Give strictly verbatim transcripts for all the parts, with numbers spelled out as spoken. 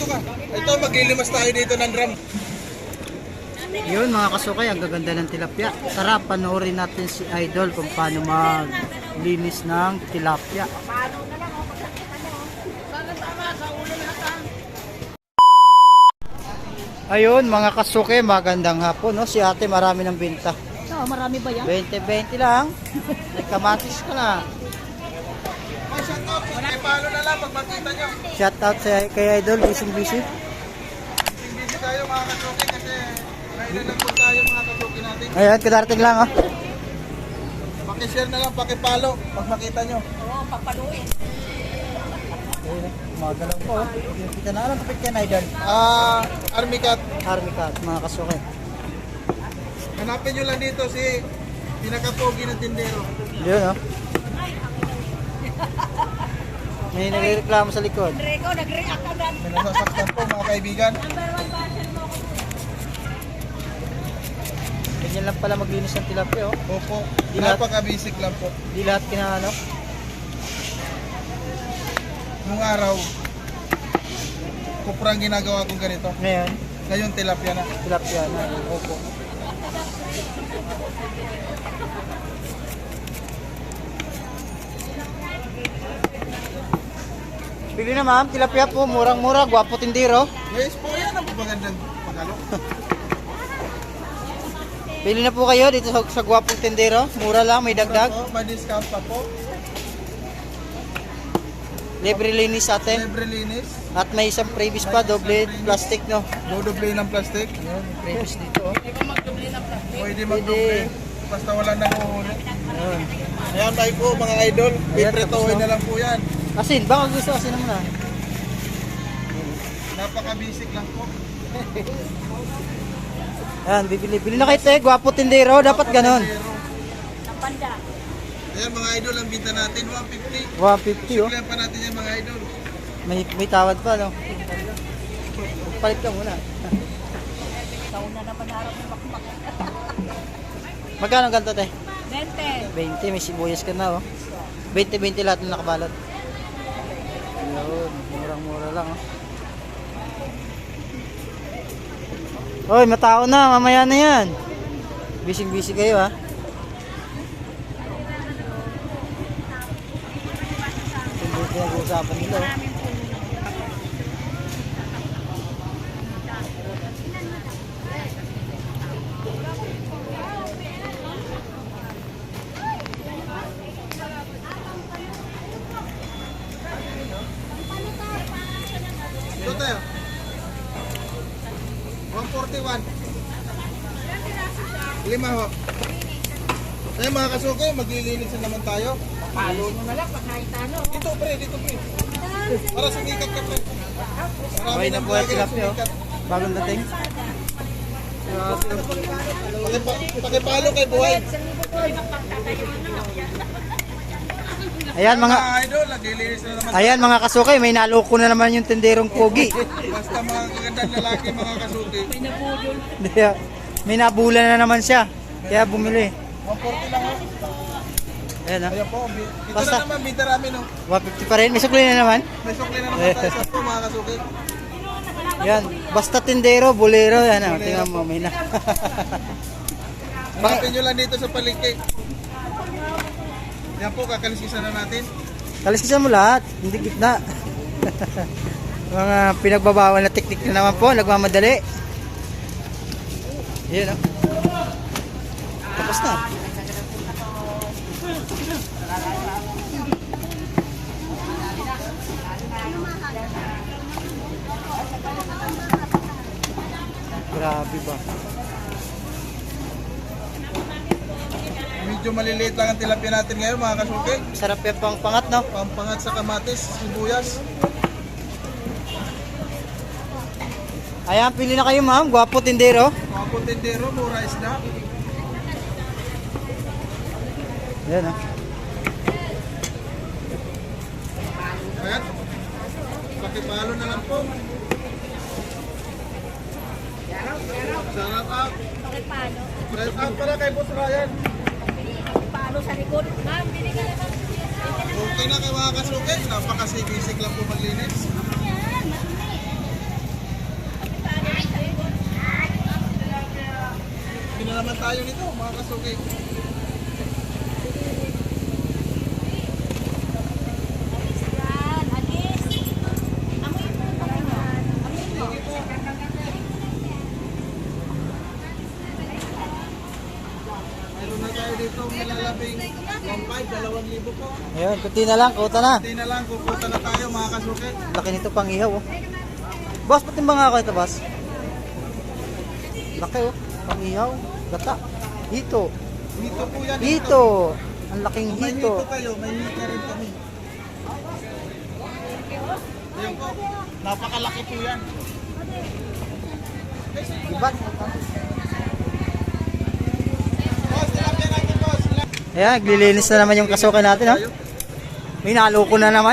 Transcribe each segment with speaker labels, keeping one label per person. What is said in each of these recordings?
Speaker 1: ka. Ito, maglilimas tayo dito ng drum.
Speaker 2: Yun mga kasukay, ang gaganda ng tilapia. Tara, panoorin natin si Idol kung paano maglinis ng tilapia. Ayun mga kasuke, magandang hapon, no? Si ate marami ng binta.
Speaker 3: Oh, marami ba yan?
Speaker 2: twenty twenty lang. May kamatis ka na.
Speaker 1: Ay, shout out. Kay Palo na lang pag makita nyo.
Speaker 2: Shout out sa kay Idol, busy busy.
Speaker 1: Busy tayo mga kasuki kasi kailan lang po tayo mga kasuki natin.
Speaker 2: Ayan, kadarating lang, oh.
Speaker 1: Pakishare na lang, pakipalo pag makita nyo.
Speaker 3: Oo, papaluin.
Speaker 2: Ayun, magalaw po, oh. Kita na, anong kapit yan, Idol?
Speaker 1: Ah, Army Cat.
Speaker 2: Army cat, mga kasuke.
Speaker 1: Hanapin nyo lang dito si pinakapogi ng tindero.
Speaker 2: Yun, oh. May nagreklamo sa likod.
Speaker 3: Rico, nag-react ka dyan.
Speaker 1: May nasasaktan po mga kaibigan.
Speaker 3: Number one basher mo ako.
Speaker 2: Ganyan lang pala maglinis ng tilapia, oh.
Speaker 1: Opo,
Speaker 2: Di lahat-
Speaker 1: napaka-basic lang po.
Speaker 2: Di lahat kinaano.
Speaker 1: Nung araw, kuprang ginagawa kong ganito.
Speaker 2: Ngayon,
Speaker 1: Ngayon tilapia na.
Speaker 2: tilapia na.
Speaker 1: Opo.
Speaker 2: Bili na ma'am, tilapia po, murang-mura, gwapo tindiro.
Speaker 1: Yes po, yan ang magandang pagalo.
Speaker 2: Bili na po kayo dito sa, sa gwapong tindiro. Mura lang, may dagdag.
Speaker 1: Po, may discount pa po.
Speaker 2: Libre linis sa atin.
Speaker 1: Libre linis.
Speaker 2: At may isang previous pa, doble plastic, no?
Speaker 1: Dodoble ng plastic.
Speaker 2: Ayun, may previous dito, oh.
Speaker 1: Pwede magdoble. Basta wala nang uhuli.
Speaker 2: Ayun.
Speaker 1: Ayan tayo po mga idol. Pipretohin na lang po yan.
Speaker 2: Asin, baka gusto asin naman ah.
Speaker 1: Napaka-basic lang po.
Speaker 2: Ayan, bibili. Bili na kayo, te. Gwapo tindiro, dapat ganon.
Speaker 3: Ng panda.
Speaker 1: Ayan mga idol, ang binta natin, one fifty.
Speaker 2: one fifty, oh.
Speaker 1: Siglan pa natin yan mga idol.
Speaker 2: May, may tawad pa, no? Palit ka muna.
Speaker 3: Taon na naman harap ng makmak.
Speaker 2: Magkano ganito, te?
Speaker 3: Bente.
Speaker 2: twenty, may sibuyas ka na, oh. twenty twenty lahat ng nakabalot. Ayun, murang-mura lang, oh. Hoy, matao na, mamaya na yan. Busy-busy kayo, ha. Hindi pinag-uusapan nila, oh.
Speaker 1: Ito tayo. one forty-one. Lima ho. Ayan mga kasuke, maglilinis na naman tayo.
Speaker 3: Palo mo na lang pag nakita no.
Speaker 1: Dito pre, dito pre. Para sumikat ka pre.
Speaker 2: Okay na po, tilapia, oh. Bagong dating.
Speaker 1: Pakipa- Pakipalo kay buhay.
Speaker 2: Ayan, mga...
Speaker 1: Mga idol, naglilinis na naman.
Speaker 2: Ayan mga kasukay, may naloko na naman yung tenderong pogi.
Speaker 1: Basta mga kagandang lalaki mga kasuke.
Speaker 2: Kaya, may nabula na naman siya. Kaya bumili.
Speaker 1: one forty lang ho.
Speaker 2: Ayan, oh.
Speaker 1: Ayan po, bi- ito
Speaker 2: Basta.
Speaker 1: na naman, bida rami no.
Speaker 2: one fifty pa rin. May sukli na naman.
Speaker 1: May sukli na naman tayo sa po mga kasuke.
Speaker 2: Yan. Basta tindero, bolero. Yan, oh. Tingnan mo, may na.
Speaker 1: Hanapin nyo lang dito sa palengke. Yan po, kakalisisan na natin.
Speaker 2: Kaliskisan mo lahat. Hindi gitna. Mga pinagbabawal na teknik na naman po. Nagmamadali. Yan, oh. Tapos na. Grabe ba?
Speaker 1: Medyo maliliit lang ang tilapia natin ngayon mga kasuke.
Speaker 2: Sarap yung pang pangat, no?
Speaker 1: Pampangat sa kamatis, sibuyas.
Speaker 2: Ayan, pili na kayo, ma'am. Gwapo tindero.
Speaker 1: Mga puntindero, mura isda.
Speaker 2: Ayan, oh.
Speaker 1: Ayan. Pakipalo na lang po. Shout out.
Speaker 3: Bakit palo?
Speaker 1: Shout out pala kay Boss Ryan.
Speaker 3: Palo sa likod. Ma'am, binigyan na lang.
Speaker 1: Okay na kay mga kasuke. Napakasibisik lang po maglinis. tayo nito mga kasuki.
Speaker 3: Yan, alis. Amoy po pa kayo. Amoy po.
Speaker 1: Mayroon na tayo dito malalabing one five, dalawang libo po.
Speaker 2: Ayun, kunti na lang, kuta na.
Speaker 1: Hindi na lang, kukuta na tayo mga kasuki.
Speaker 2: Laki nito pang ihaw oh. Boss, patimbang nga ako ito, boss. Laki oh, pang ihaw, gata. Hito,
Speaker 1: Dito po yan.
Speaker 2: hito. Ang laking
Speaker 1: May
Speaker 2: hito.
Speaker 1: hito kayo, may hito rin kami. Ayan po, napakalaki po yan.
Speaker 2: Diba?
Speaker 1: Boss, tilapia natin boss.
Speaker 2: Ayan, naglilinis na naman yung kasuka natin oh. May naloko na naman.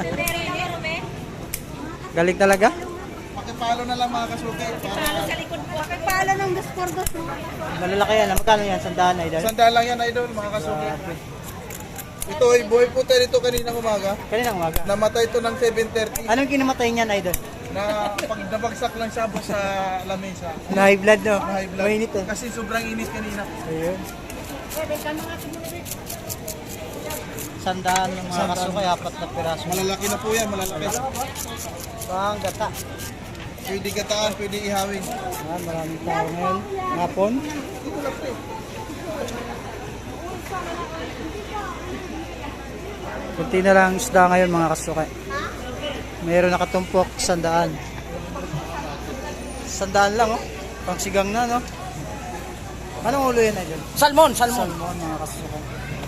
Speaker 2: Galing talaga.
Speaker 1: Pakipalo na lang mga kasuki. Para
Speaker 3: Sa likod po. Pagpala ng dos por dos.
Speaker 2: Malalaki yan. Magkano yan? Sandaan na idol.
Speaker 1: sandaan lang yan idol mga kasuki. Ito ay buhay po tayo dito kanina umaga.
Speaker 2: Kanina umaga.
Speaker 1: Namatay ito ng seven thirty.
Speaker 2: Anong kinamatay niyan idol?
Speaker 1: Na pag nabagsak lang siya boss sa lamesa.
Speaker 2: Na high blood no?
Speaker 1: Na high blood.
Speaker 2: Mainit eh.
Speaker 1: Kasi sobrang inis kanina.
Speaker 2: Ayun. Sandaan ng mga kasuka, apat na piraso.
Speaker 1: Malalaki na po yan, malalaki.
Speaker 2: Pang gata.
Speaker 1: Pwede gataan, pwede ihawin.
Speaker 2: Ayan, maraming tao ngayon. Hapon. Kunti na lang isda ngayon mga kasuka. Mayroon nakatumpok, sandaan. Sandaan lang oh. Pang sigang na no. Anong ulo yan na dyan?
Speaker 4: Salmon, salmon.
Speaker 2: Salmon mga kasuka.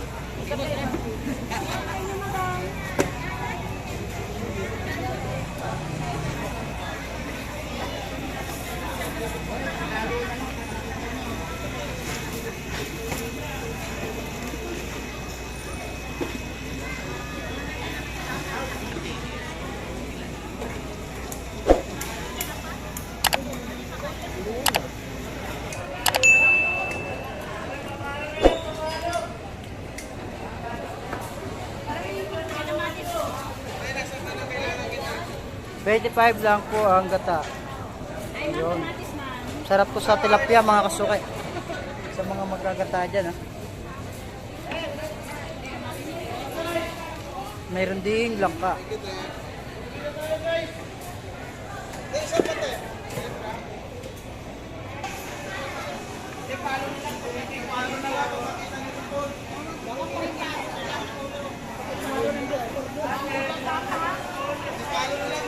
Speaker 2: twenty-five lang po ang gata. Ayun. Sarap po sa tilapia mga kasukay. Sa mga magagata dyan. Ha? Mayroon ding langka.
Speaker 1: Palo na lang